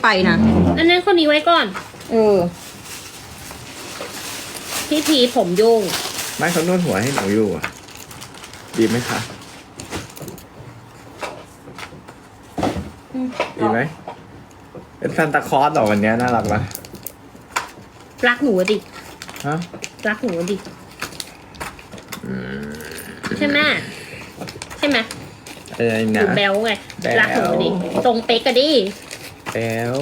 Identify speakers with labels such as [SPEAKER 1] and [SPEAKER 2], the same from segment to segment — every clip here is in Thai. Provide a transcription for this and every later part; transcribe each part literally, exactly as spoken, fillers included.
[SPEAKER 1] ไปนะ
[SPEAKER 2] อันนั้นคนนี้ไว้ก่อน
[SPEAKER 1] เออ
[SPEAKER 2] พี่พีผมยุ่ง
[SPEAKER 3] ไม่เขานวดหัวให้หนูอยู่อ่ะดีไหมคะดีไหมเป็นซันตาคลอสหรอวันนี้น่ารักปะ
[SPEAKER 2] รักหนูดิ
[SPEAKER 3] ฮะ
[SPEAKER 2] รักหนูดิใช่ไหมใช่ไหม
[SPEAKER 3] อะไรนะ
[SPEAKER 2] หนูแบลไงรักหนูดิตรงเป๊กกันดิ
[SPEAKER 3] แบล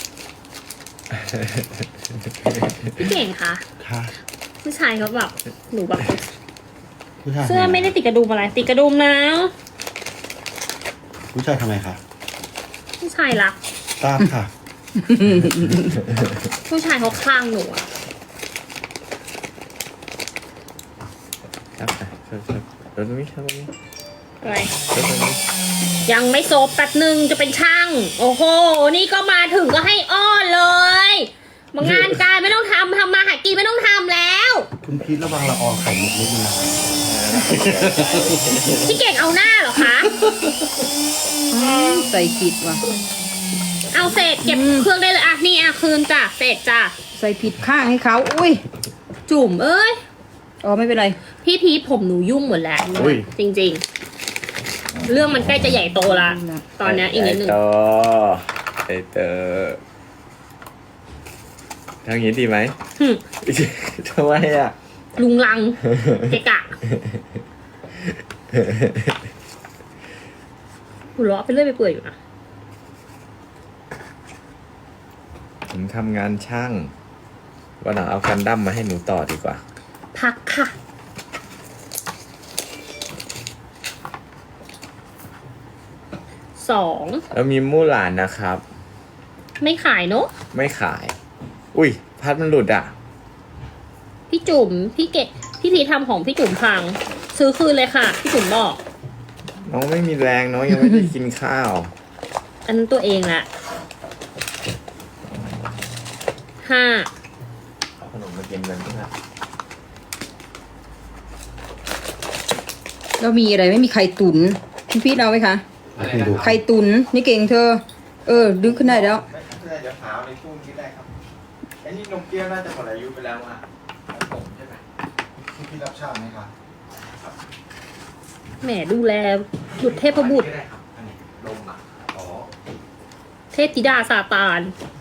[SPEAKER 2] พี่เก่งคะ
[SPEAKER 4] ค่ะ
[SPEAKER 2] ผู้ชายเขาแบบหนูแบบ
[SPEAKER 4] ผู้ชาย
[SPEAKER 2] เสื้อไม่ได้ติดกระดุมอะไรติดกระดุมนะ
[SPEAKER 4] ผู้ชายทำไมคะ
[SPEAKER 2] ผู้ชายรัก
[SPEAKER 4] ตามค่ะ
[SPEAKER 2] ผู้ชายเขาคลั่งหนูอะ
[SPEAKER 3] ครับครับครับรถตรงนี้ครับตรงนี้
[SPEAKER 2] อะไร
[SPEAKER 3] รถตรงนี้
[SPEAKER 2] ยังไม่โซบแป๊บหนึ่งจะเป็นช่างโอ้โหนี่ก็มาถึงก็ให้อ้อนเลยมางานการไม่ต้องทำทำมาหากินไม่ต้องทำแล้ว
[SPEAKER 4] คุณพีทระวังละอองไข่มุกนิดนึงนะ
[SPEAKER 2] พี่เก่งเอาหน้าเหรอคะ
[SPEAKER 1] ใส่ผิดว่ะ
[SPEAKER 2] เอาเศษเก็บเครื่องได้เลยอ่ะนี่อ่ะคืนจ้ะเศษจ้ะ
[SPEAKER 1] ใส่ผิดข้างให้เขาอุ้ย
[SPEAKER 2] จุ่มเอ้ย
[SPEAKER 1] อ๋อไม่เป็นไร
[SPEAKER 2] พี่พีทผมหนูยุ่งหมดแล้วจริงๆเรื่องมันใกล้จะใหญ่โตละตอนนี้อีกนิดนึง
[SPEAKER 3] ไอเตอทางนี้ดีไหมทำไมอ่ะ
[SPEAKER 2] ลุงลังเกะกะหัวเราะไปเรื่อยไปเปื่อยอยู่นะ
[SPEAKER 3] ผมทำงานช่างวันหลังเอากันดั้มมาให้หนูต่อดีกว่า
[SPEAKER 2] พักค่ะสอง
[SPEAKER 3] แล้วมีมู่หลานนะครับ
[SPEAKER 2] ไม่ขายเนอะ
[SPEAKER 3] ไม่ขายอุ้ยพัดมันหลุดอ่ะ
[SPEAKER 2] พี่จุ๋มพี่เกะพี่พีทำของพี่จุ๋มพังซื้อคืนเลยค่ะพี่จุ๋มบอก
[SPEAKER 3] น้องไม่มีแรงน้องยังไม่ได้กินข้าว
[SPEAKER 2] อันนั้นตัวเองแหละห้า
[SPEAKER 3] เอาขนมมากินกันด้วยนะ
[SPEAKER 1] แล้วมีอะไรไม่มีไข่ตุ๋นพี่พีทเอาไหมคะไข่ตุ๋นนี่เก่งเธอเออดึงขึ้นได้แล้ว
[SPEAKER 3] น่าจะขาวในช่วงนี้ได้ครับไอ้นี่นมเปรี้ยวน่าจะหมดอายุไปแล้วอ่ะผมใช่ไหม
[SPEAKER 4] พี่พีทรับชาไหมคะ
[SPEAKER 2] แหมดูแลบุตรเทพบุตรเทพธิดาซาตาน